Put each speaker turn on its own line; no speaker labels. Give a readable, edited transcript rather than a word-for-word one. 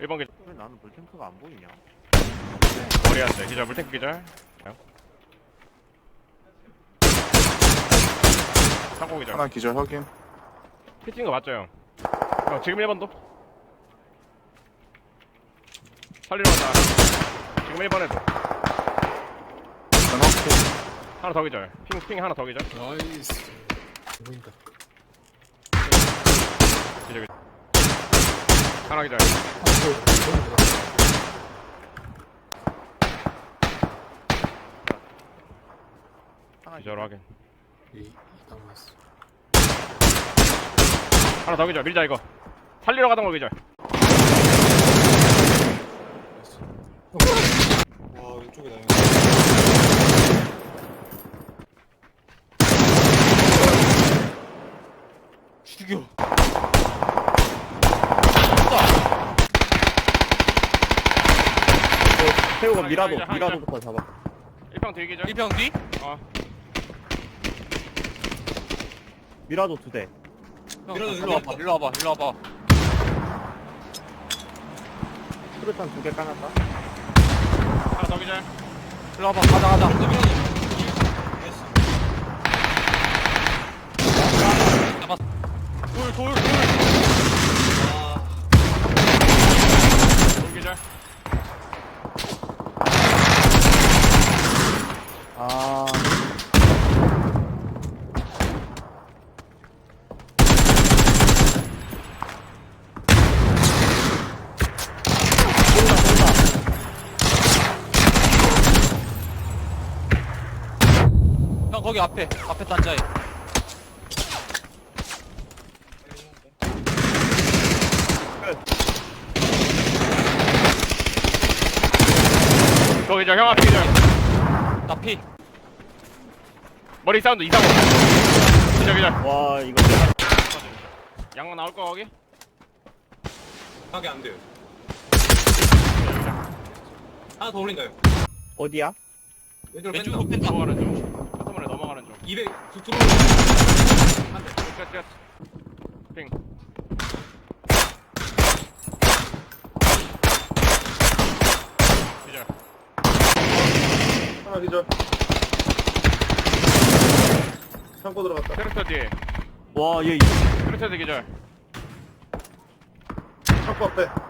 1번 기절.
왜 나는 물탱크가 안 보이냐?
머리한테 기절. 물탱크 기절. 창고 기절.
하나 기절 확인.
피팅인 거 맞죠 형? 지금 1번도 살리러 간다. 지금 1번에도
하나 확인.
하나 더 기절. 핑 하나 더 기절.
나이스. 보인다.
기절. 하나 기절. 기절 확인.
이 남았어.
하나 더 기절. 밀자 이거. 살리러 가던 거 기절.
와 왼쪽에 나요. 죽여.
태우가
하나
미라도부터 잡아.
1평 뒤 기절.
1평 뒤?
미라도 2대.
밀어줘, 일로 와봐, 일로 와봐, 일로 와봐.
수류탄 2개 까놨다.
하나 더 기절.
일로 와봐, 가자, 가자. 돌, 돌, 돌.
돌 기절.
아.
형, 거기 앞에 단자에.
거 기절. 형 앞에 기절.
나 피.
머리 사운드 이상호. 기절 기절.
와, 이거.
양만 나올 거 거기?
하게 안 돼요. 하나 더 올린다요.
어디야?
왼쪽으로
왼쪽으로
뺀다.
뺀다.
넘어가는 중. 카트문에 넘어가는 중.
200 들어오는. 한 대.
끝. 핑. 기절.
하나 기절. 창고 들어갔다.
트랙터 뒤에.
와, 얘
트랙터 뒤 기절.
창고 앞에.